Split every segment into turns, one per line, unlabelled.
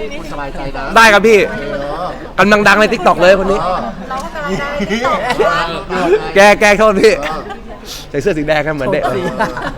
คุณสบายใจนะ
ได้ครับพี่กำลังดังในทิกตอกเลยคนนี้
เราก็กำลังได้ที่ตอบว่า
แกโทษพี่ใส่เสื้อสีแดงกันเหมือนเด็ก
พี่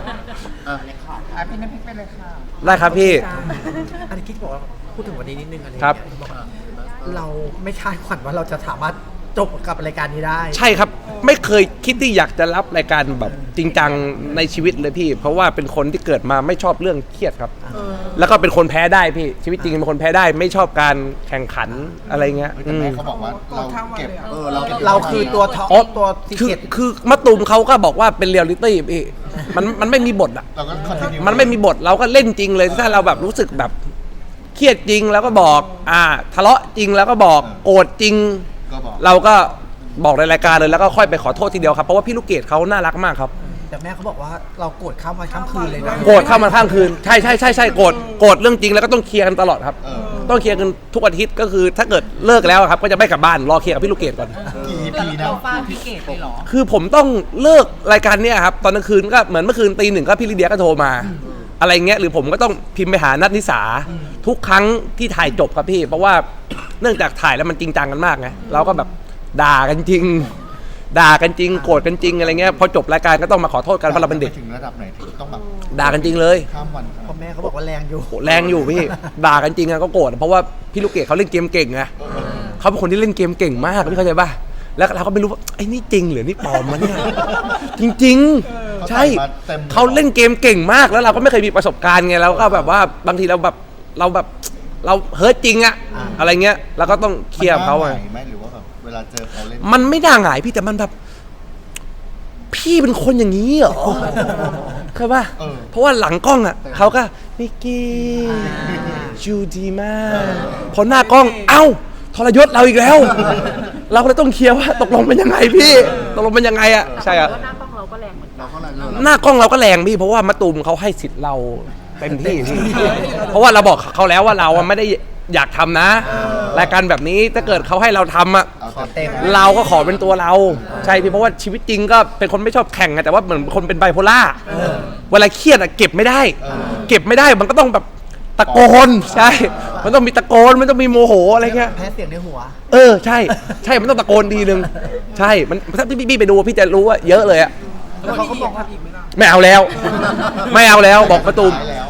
น้ำพริกไปเลยค่ะ
ได้ครับพี่
อันนี้คิดบอกว่าพูดถึงวันนี้นิดนึงอะไร
ครับ
เราไม่คาดฝันว่าเราจะสามารถจบกับรายการนี้ได้
ใช่ครับไม่เคยคิดที่อยากจะรับรายการแบบจริงจังในชีวิตเลยพี่เพราะว่าเป็นคนที่เกิดมาไม่ชอบเรื่องเครียดครับแล้วก็เป็นคนแพ้ได้พี่ชีวิตจริงเป็นคนแพ้ได้ไม่ชอบการแข่งขันอะไรเงี้ย
แต่แม่เขาบอกว่าเราเก็บ
เราคือตัวท็อปตัวซีเกต
คือมะตูมเขาก็บอกว่าเป็นเรียลลิตี้พี่มันไม่มีบทอ่ะมันไม่มีบทเราก็เล่นจริงเลยถ้าเราแบบรู้สึกแบบเครียดจริงแล้วก็บอกทะเลาะจริงแล้วก็บอกโกรธจริงเราก็บอกในรายการเลยแล้วก็ค่อยไปขอโทษทีเดียวครับเพราะว่าพี่ลูกเกดเขาน่ารักมากครับ
แต่แม่เขาบอกว่าเราโกรธข้ามวันข้ามคืนเลยนะ
โกรธข้ามวันข้ามคืนใช่โกรธเรื่องจริงแล้วก็ต้องเคลียร์กันตลอดครับต้องเคลียร์กันทุกอาทิตย์ก็คือถ้าเกิดเลิกแล้วครับก็จะไม่กลับบ้านรอเคลียร์กับพี่ลูกเกดก่อน
กี่นะฟาพี่เกดเลยหรอ
คือผมต้องเลิกรายการเนี้ยครับตอนกลางคืนก็เหมือนเมื่อคืนตี 1ก็พี่ลิเดียก็โทรมาอะไรเงี้ยหรือผมก็ต้องพิมพ์ไปหานัทนิสาทุกครั้งที่ถ่ายจบครับพี่เพราะว่าเนื่องจากถ่ายแล้วมันจริงจังกันมากไงเราก็แบบด่ากันจริงโกรธกันจริงอะไรเงี้ยพอจบรายการก็ต้องมาขอโทษกันเพราะเราเป็นเด็ก
ถึงระดับไหนที่ต้องแบบ
ด่ากันจริงเลย
ข้ามวัน
พ่อแม่เขาบอกว่าแรง
อยู่พี่ด่ากันจริงก็โกรธเพราะว่าพี่ลูกเกดเขาเล่นเกมเก่งไงเขาเป็นคนที่เล่นเกมเก่งมากพี่เข้าใจป่ะแล้วเราก็ไม่รู้ว่าไอ้นี่จริงหรือนี่ปลอมมันเนี่ยจริงๆใช่เขาเล่นเกมเก่งมากแล้วเราก็ไม่เคยมีประสบการณ์ไงแล้วก็แบบว่าบางทีเราเฮิร์ตจริงอะอะไรเงี้ยเราก็ต้องเคลียร์เขาอะ
หรือว่าแบบเวลาเจอเขาเล่น
มันไม่น่าหงายพี่แต่มันแบบพี่เป็นคนอย่างนี้เหรอเข้าป่ะเพราะว่าหลังกล้องอะเขาก็นิกกี้จูดีมากพอหน้ากล้องเอ้าทรยศเราอีกแล้วเราก็เลยต้องเคลียร์ว่าตกลงเป็นยังไงพี่ตกลงเป็นยังไงอะใช่อะ
หน้ากล้องเราก็แรงเหมือนกัน
หน้ากล้องเราก็แรงพี่เพราะว่ามะตูมเขาให้สิทธิ์เราเต็มที่พี่เพราะว่าเราบอกเขาแล้วว่าเราไม่ได้อยากทำนะรายการแบบนี้ถ้าเกิดเขาให้เราทำอะเราก็ขอเป็นตัวเราใช่พี่เพราะว่าชีวิตจริงก็เป็นคนไม่ชอบแข่งไงแต่ว่าเหมือนคนเป็นไบโพล่าเวลาเครียดอะเก็บไม่ได้มันก็ต้องแบบตะโกนใช่มันต้องมีตะโกนมันต้องมีโมโหอะไรเงี้ย
แพ้เสียงในหัว
ใช่มันต้องตะโกนทีนึงใช่มันถ้าพี่ไปดูพี่จะรู้ว่าเยอะเลยอะ
แล้วเขาก็บอกว่า
ไม่เอาแล้วบอกประตู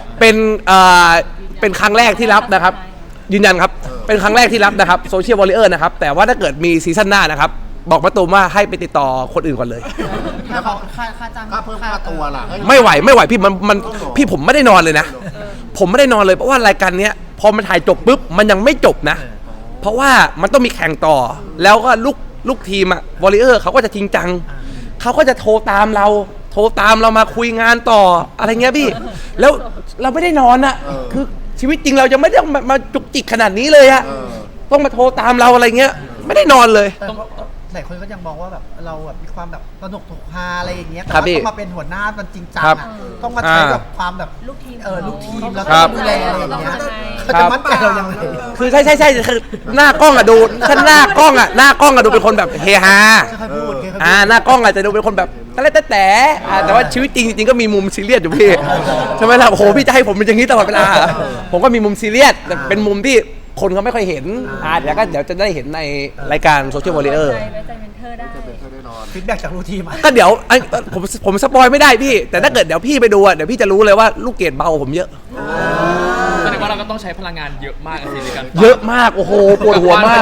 เป็นครั้งแรกที่รับนะครับยืนยันครับเป็นครั้งแรกที่รับนะครับโซเชียลวอลเลย์นะครับแต่ว่าถ้าเกิดมีซีซั่นหน้านะครับบอกประตูว่าให้ไปติดต่อคนอื่นก่อนเลย
แล้วเขาค่าจ้าง
ค่าเพิ่มค่าตัวล่ะ
ไม่ไหวพี่มันพี่ผมไม่ได้นอนเลยนะผมไม่ได้นอนเลยเพราะว่ารายการเนี้ยพอมันถ่ายจบปุ๊บมันยังไม่จบนะเพราะว่ามันต้องมีแข่งต่อแล้วก็ลูกทีมอะวอลเลย์เขาก็จะจริงจังเขาก็จะโทรตามเรามาคุยงานต่ออะไรเงี้ยพี่แล้วเราไม่ได้นอนอะคือชีวิตจริงเราจะไม่ได้มาจุกจิกขนาดนี้เลยอะต้องมาโทรตามเราอะไรเงี้ยไม่ได้นอนเลย
หลายคนก็ยังมองว่าแบบเราแบบมีความแบบสนุกถูกฮาอะไรอย่างเงี้ยแต่ว่าต้องมาเป็นหัวหน้ามันจริงจังอะต้องมาใช้แบบความแบบลูกทีมแล้วก็ดูแลอะไรอย่างเงี้ยเขาจะมั่นใจเรายังไง
คือใช่คือหน้ากล้องอะดูถ้าหน้ากล้องอะดูเป็นคนแบบเฮฮาหน้ากล้องอาจจะดูเป็นคนแบบแต่ว่าชีวิตจริงก็มีมุมซีเรียสอยู่พี่ใช่ไหมล่ะโอ้โหพี่จะให้ผมเป็นอย่างนี้ตลอดเวลาผมก็มีมุมซีเรียสแต่เป็นมุมที่คนเขาไม่ค่อยเห็นเดี๋ยวจะได้เห็นในรายการโซเชียลวอลเลย์
ใจเมนเทอร์ได้
ฟีดแบ็กจากลูกทีม
ก็เดี๋ยวผมสปอยไม่ได้พี่แต่ถ้าเกิดเดี๋ยวพี่ไปดูเดี๋ยวพี่จะรู้เลยว่าลูกเกดเบาผมเยอะ
แสดงว่าเราก็ต้องใช้พลังงานเยอะมากในการ
เยอะมากโอ้โหปวดหัวมาก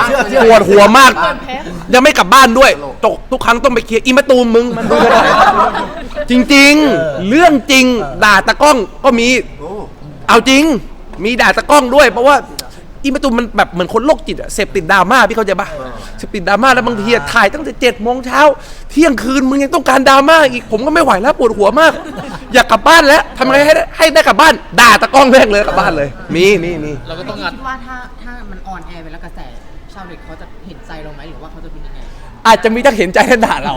ยังไม่กลับบ้านด้วยทุกครั้งต้องไปเคลียร์อีมะตูมมึงมันดูไม่ได้จริงๆเรื่องจริงด่าตะก้องก็มีเอาจริงมีด่าตะก้องด้วยเพราะว่าอีมะตูมมันแบบเหมือนคนโรคจิตอะเสพติดดราม่าพี่เข้าใจปะเสพติดดราม่าแล้วบางทีถ่ายตั้งแต่7 โมงเช้าเที่ยงคืนมึงยังต้องการดราม่าอีกผมก็ไม่ไหวแล้วปวดหัวมากอยากกลับบ้านแล้วทำไงให้ได้กลับบ้านด่าตะก้องแรกเลยกลับบ้านเลยมี
เราก็ต้องคิดว่าถ้ามันออนแอร์ไปแล้วกระแสชาวเน็ตเขาจะเห็นใจเราไหมหรือว่าเขาจะเป็นยังไง
อาจจะมีทั้งเห็นใจและด่าเรา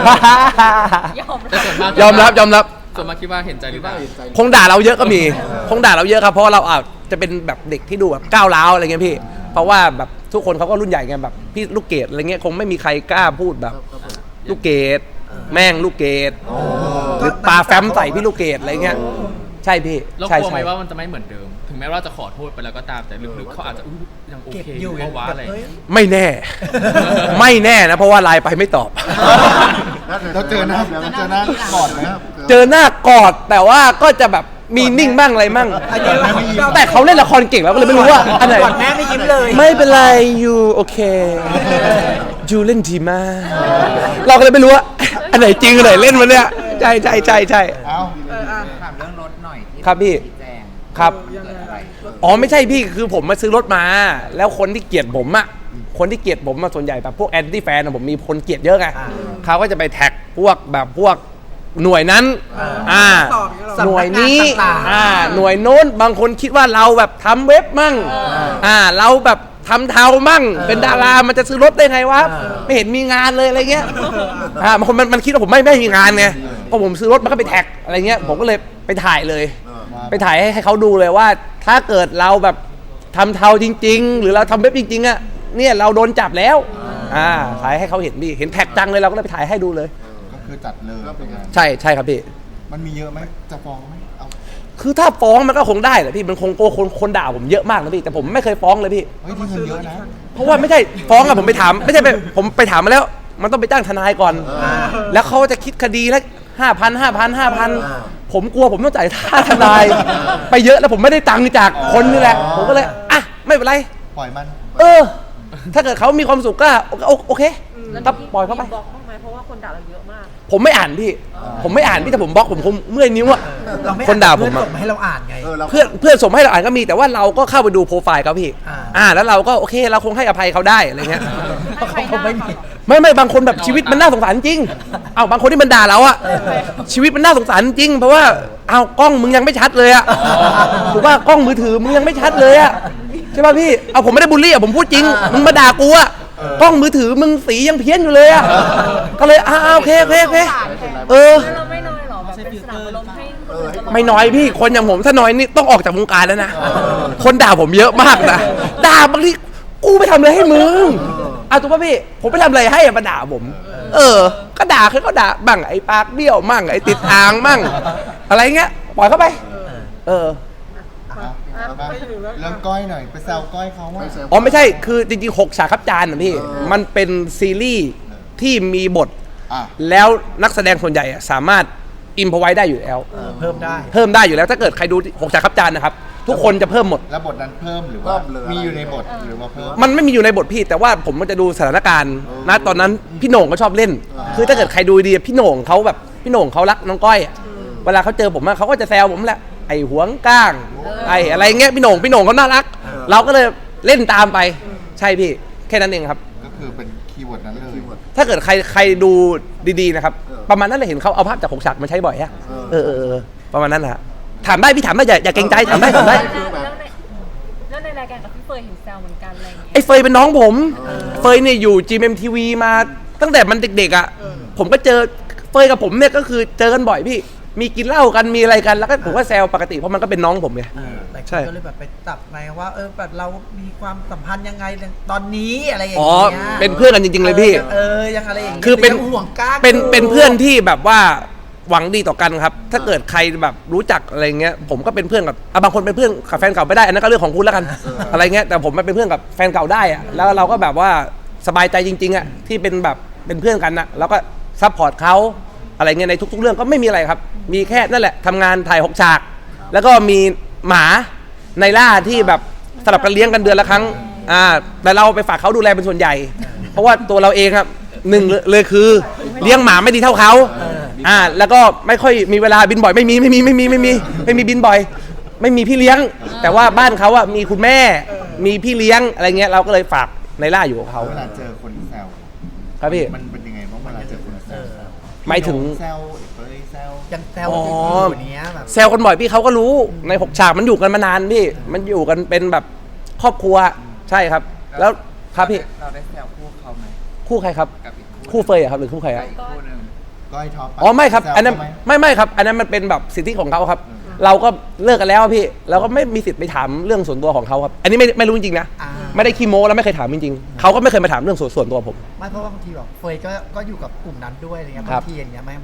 ยอมรับ
ส่วนมากคิดว่าเห็นใจหรือเปล่า
คงด่าเราเยอะก็มีคงด่าเราเยอะครับเพราะเราจะเป็นแบบเด็กที่ดูแบบก้าวร้าวอะไรเงี้ยพี่เพราะว่าแบบทุกคนเขาก็รุ่นใหญ่ไงแบบพี่ลูกเกดอะไรเงี้ยคงไม่มีใครกล้าพูดแบบลูกเกดแม่งลูกเกดหรือปลาแฟ้มใส่พี่ลูกเกดอะไรเงี้ยใช่พี่
เรากลัวไหมว่ามันจะไม่เหมือนเดิมถึงแม้ว่าจะขอโทษไปแล้วก็ตามแต่ลึกๆเขาอาจจะยังโอ
เก็บ
เค
อ
อยู่ ยู่เพราะว่าอะไร
แบบเฮ้ย
ไม่แน่ ไม่แน่นะเพราะว่าไลน์ไปไม่ตอบ
เราเจอหน้าก่อนไหมครับ
เจอหน้ากอดแต่ว่าก็จะแบบมีนิ่งบ้างอะไรบ้าง
อันนี้ว่า
แต่เขาเล่นละครเก่งแล้วก็เลยไม่รู้ว่าอันไหน
ก่อนแม่ไม่ยิ้มเลย
ไม่เป็นไรยูโอเคยูเล่นดีมาก เราก็เลยไม่รู้ว่าอันไหนจริงอันไหนเล่นมันเนี่ยใช่ใช่ใช่ใช่
เอ้า
ถามเรื่องรถหน่อยที่
ครับพี่
ชี้แจง
ครับ
เกิดอะไร
อ๋อไม่ใช่พี่คือผมมาซื้อรถมา แล้วคนที่เกลียดผมอะคนที่เกลียดผมมาส่วนใหญ่แบบพวกแอนตี้แฟนผมมีคนเกลียดเยอะไงเขาก็จะไปแท็กพวกแบบพวกหน่วยนั้นหน่วยนี้หน่วยโน้นบางคนคิดว่าเราแบบทำเว็บมั่งเราแบบทำเทามั่งเป็นดารามันจะซื้อรถได้ไงวะไม่เห็นมีงานเลยอะไรเงี้ยบางคนมันคิดว่าผมไม่มีงานไงพอผมซื้อรถมันก็ไปแท็กอะไรเงี้ยผมก็เลยไปถ่ายเลย ไปถ่ายให้เขาดูเลยว่าถ้าเกิดเราแบบทำเทาจริงๆหรือเราทำเว็บจริงๆอะเนี่ยเราโดนจับแล้วถ่ายให้เขาเห็นดิเห็นแท็กจังเลยเราก็เลยไปถ่ายให้ดูเลย
ก็คือจัดเลยเป็นไง
ใช่ใช่ครับพี่
มันมีเยอะไหมจะฟ้องไหมเอา
คือถ้าฟ้องมันก็คงได้แหละพี่มันคงโกคนด่าผมเยอะมากนะพี่แต่ผมไม่เคยฟ้องเลยพี่
เฮ้ยที่เงินเยอะนะ
เพราะว่าไม่ใช่ฟ้องอะผมไปถามไม่ใช่ผมไปถามมาแล้ว มันต้องไปจ้างทนายก่อน แล้วเขาจะคิดคดีละ5,000 ผมกลัวผมต้องจ่ายค่าทนาย ไปเยอะแล้วผมไม่ได้ตังค์จากคนนี่แหละผมก็เลยอ่ะไม่เป็นไร
ปล่อยมัน
ถ้าเกิดเขามีความสุขก็โอเคก็ปล่อยเขาไป
บล็อกบ้างไหมเพราะว่าคนด่าเราเยอะมาก
ผมไม่อ่านพี่ผมไม่อ่านพี่แต่ผมบล็อกผมคงเมื่อยนิ้วอะ
เราไม่
คนด่าผม
เพื่อน
อะ
ส่งมาให้เราอ่านไง
เพื่อนส่งมาให้เราอ่านก็มีแต่ว่าเราก็เข้าไปดูโปรไฟล์เขาพี่แล้วเราก็โอเคเราคงให้อภัยเขาได้อะไรเงี้ย
เพราะเขาคงไม่มี
ไม่บางคนแบบชีวิตมันน่าสงสารจริงเอาบางคนที่มันด่าเราอะชีวิตมันน่าสงสารจริงเพราะว่าเอากล้องมึงยังไม่ชัดเลยอะถูกว่ากล้องมือถือมึงยังไม่ชัดเลยอะใช่ป่ะพี่เอาผมไม่ได้บูลลี่อะผมพูดจริงมึงมาด่ากูอะกล้องมือถือมึงสียังเพี้ยนอยู่เลยอะก็เลยโอเค
แล้วเราไม่น้อยหรอแบบเป็นสนามอารมณ์ให้คนอื่นตลอด
ไม่น้อยพี่คนอย่างผมถ้าน้อยนี่ต้องออกจากวงการแล้วนะคนด่าผมเยอะมากนะด่าบางทีกูไปทำอะไรให้มึงถูกป่ะพี่ผมไปทำอะไรให้มาด่าผมก็ด่าเขาด่าบ้างไอ้ปากเบี้ยวมั่งไอ้ติดอ่างมั่งอะไรเงี้ยปล่อยเข้าไป
เรื่องก้อยหน่อยไปแซวก้อยเขาว่า
อ๋อไม่ใช่คือจริงๆ6 ฉากครับจานนะพี่มันเป็นซีรีส์ที่มีบทแล้วนักแสดงส่วนใหญ่สามารถอิมพอไว้ได้อยู่แล้ว
เพิ่ม
ได้อยู่แล้วถ้าเกิดใครดู6 ฉากครับจานนะครับทุกคนจะเพิ่มหมด
แล้วบทนั้นเพิ่มหรือว่ามีอยู่ในบทหรือว่าเพิ่ม
มันไม่มีอยู่ในบทพี่แต่ว่าผมมันจะดูสถานการณ์นะตอนนั้นพี่โหน่งก็ชอบเล่นคือถ้าเกิดใครดูดีพี่โหน่งเขาแบบพี่โหน่งเขารักน้องก้อยเวลาเขาเจอผมเขาก็จะแซวผมแหละไอ้หวงก้างไอ้อะไรเงี้ยพี่โหน่งเขาน่ารักเราก็เลยเล่นตามไปใช่พี่แค่นั้นเองครับ
ก็คือเป็นคีย์เวิร์ดนั้นเลย
ถ้าเกิดใครดูดีๆนะครับประมาณนั้นเลยเห็นเขาเอาภาพจาก6 ฉากมาใช้บ่อยฮะประมาณนั้นนะถามได้พี่ถามได้อย่าเกรงใจถามได้
แล้วในรายการกับพี่เฟยเห็นแซวเหมือนกันอะไรอย่างเงี้ย
ไอ้เฟยเป็นน้องผมเฟยเนี่ยอยู่ GMMTV มาตั้งแต่มันเด็กๆอ่ะผมก็เจอเฟยกับผมเนี่ยก็คือเจอกันบ่อยพี่มีกินเหล้ากันมีอะไรกันแล้วก็ผมก็แซวปกติเพราะมันก็เป็นน้องผมไงใช่
ก็เลยแบบไปจับไงว่าแบบเรามีความสัมพันธ์ยังไงตอนนี้อะไรอย่าง
อ๋อ
เงี้ย
เป็นเพื่อนกันจริงๆเลยพี่
ยังอะไรอย่างเงี้ย
คือเป็น
ห่วงก้าง
เป็นเพื่อนที่แบบว่าหวังดีต่อกันครับถ้าเกิดใครแบบรู้จักอะไรเงี้ยผมก็เป็นเพื่อนกับบางคนเป็นเพื่อนกับแฟนเก่าไม่ได้อันนั้นก็เรื่องของคุณแล้วกันอะไรเงี้ยแต่ผมเป็นเพื่อนกับแฟนเก่าได้อะแล้วเราก็แบบว่าสบายใจจริงๆอะที่เป็นแบบเป็นเพื่อนกันนะแล้วก็ซัพพอร์ตเขาอะไรเงี้ยในทุกๆเรื่องก็ไม่มีอะไรครับมีแค่นั่นแหละทำงานถ่าย6 ฉากแล้วก็มีหมาในล่าที่แบบสลับกันเลี้ยงกันเดือนละครั้งแต่เราไปฝากเขาดูแลเป็นส่วนใหญ่เพราะว่าตัวเราเองครับหนึ่งเลยคือเลี้ยงหมาไม่ดีเท่าเขาแล้วก็ไม่ค่อยมีเวลาบินบ่อยไม่มีบินบ่อยไม่มีพี่เลี้ยงแต่ว่าบ้านเขาอะมีคุณแม่มีพี่เลี้ยงอะไรเงี้ยเราก็เลยฝากในล่าอยู่กับเขา
เวลาเจอคนแซว
ครับพี่
มันเป็นยังไงบ้างเวลาเจอคนแซว
หมายถึง
แซวเฟยแซว
ยังแซวอยู่เนี้ยแบบ
แซวกันบ่อยพี่เขาก็รู้ใน6 ฉากมันอยู่กันมานานพี่มันอยู่กันเป็นแบบครอบครัวใช่ครับแล้วครับพี่
เราได้แซวคู่เขาไหม
คู่ใครครับ
กับอีก
คู่เฟยอะครับหรือคู่ใครอะ
อีกคู่หนึ่ง
ก้อยท็อป
อ๋อไม่ครับอันนั้นไม่ครับอันนั้นมันเป็นแบบสิทธิของเขาครับเราก็เลิกกันแล้วพี่เราก็ไม่มีสิทธิ์ไปถามเรื่องส่วนตัวของเขาครับอันนี้ไม่รู้จริงๆนะไม่ได้ขี้โม้แล้วไม่เคยถามจริงๆเขาก็ไม่เคยมาถามเรื่องส่วนตัวผม
ไม่เพราะว่าบางทีแบบเฟยก็อยู่กับกลุ่มนั้นด้วยอะไรเงี้ย
ครับ
บางทีอย่างเงี้ยมันแบบ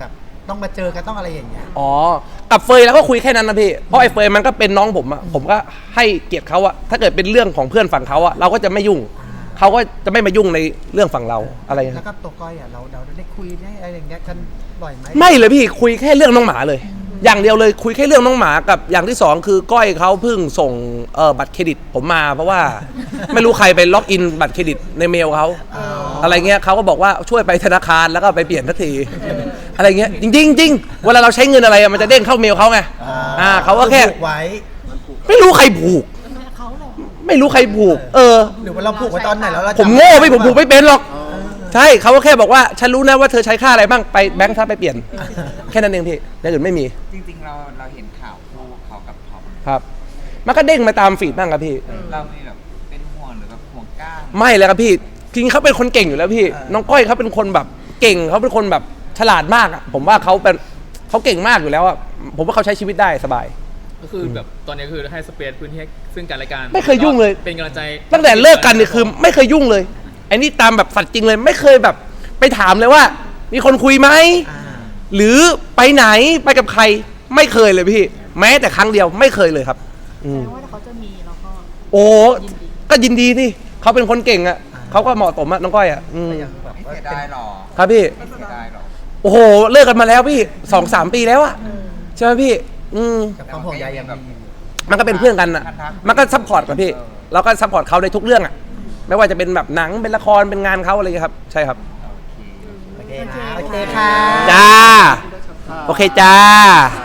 ต้องมาเจอกันต้องอะไรอย่างเงี้ย
อ๋อกับเฟยแล้วก็คุยแค่นั้นนะพี่เพราะไอ้เฟยมันก็เป็นน้องผมอะผมก็ให้เกียรติเขาอะถ้าเกิดเป็นเรื่องของเพื่อนฝั่งเขาอะเราก็จะไม่ยุ่งเขาก็จะไม่มายุ่งในเรื่องฝั่งเราอะไรอย่าง
แล้
เงี้
วย ก็ตัวก้อยอ่ะเราได้คุยได้อะไรอย่างเงี้ยกันบ่อยไหม
ไม่เลยพี่คุยแค่เรื่องน้องหมาเลย อย่างเดียวเลยคุยแค่เรื่องน้องหมากับอย่างที่สองคือก้อยเขาเพิ่งส่งบัตรเครดิตผมมาเพราะว่า ไม่รู้ใครไปล็อกอินบัตรเครดิตในเมลเขาอะไรเงี้ยเขาก็บอกว่าช่วยไปธนาคารแล้วก็ไปเปลี่ยนทันทีอะไรเงี้ยจริงเวลาเราใช้เงินอะไรมันจะเด้งเข้าเมลเขาไงเขาก็แค่
ผูกไว้
ไม่รู้ใครผูกไม่รู้ใครผูก
หรือว่าเราผูกไว้ตอนไหนแล้วเรา
ผมโง่ไม่ผมผูกไม่เป็นหรอกใช่เขาก็แค่บอกว่าฉันรู้นะว่าเธอใช้ค่าอะไรบ้างไปแบงค์ถ้าไปเปลี่ยนแค่นั้นเองพี่อย่างอื่นไม่มี
จริงๆเราเห็นข่าวคู่เขากับท็อป
ครับมันก็เด้งมาตามฟีดบ้างครับพี่
เรามีแบบเป็นห่วงหรือแบบห่วงก้าง
ไม่เลยครับพี่จริงๆเขาเป็นคนเก่งอยู่แล้วพี่น้องก้อยเขาเป็นคนแบบเก่งเขาเป็นคนแบบฉลาดมากอะผมว่าเขาเก่งมากอยู่แล้วอะผมว่าเขาใช้ชีวิตได้สบาย
ก็คือแบบตอนนี้คือให้สเปซพื้นที่ให้ซึ่งกันและกัน
ไม่เคยยุ่งเลย
เป็นกำลังใจ
ตั้งแต่เลิกกันเนี่ยคือไม่เคยยุ่งเลยไอ้นี่ตามแบบสัตว์จริงเลยไม่เคยแบบไปถามเลยว่า มีคนคุยไหมหรือไปไหนไปกับใครไม่เคยเลยพี่แม้แต่ครั้งเดียวไม่เคยเลยครับ
แสดงว่าถ้าเขาจะมีเราก็
โอ้ก็ยินดีที่เขาเป็นคนเก่งอะเขาก็เหมาะสมอะน้องก้อยอะ
ไม่เสียดายหรอ
ครับพี่
ไม่เสียดายหรอ
โอ้โหเลิกกันมาแล้วพี่ 2-3 ปีแล้วอะใช่ไหมพี่
กับความห่วงใยยังแบบ
มันก็เป็นเพื่อนกันอะมันก็ซัพพอร์ตกับพี่เราก็ซัพพอร์ตเขาในทุกเรื่องอะไม่ว่าจะเป็นแบบหนังเป็นละครเป็นงานเขาอะไรอย่างเงี้ยครับใช่ครับ
โอเคค่ะ
จ้าโอเคจ้า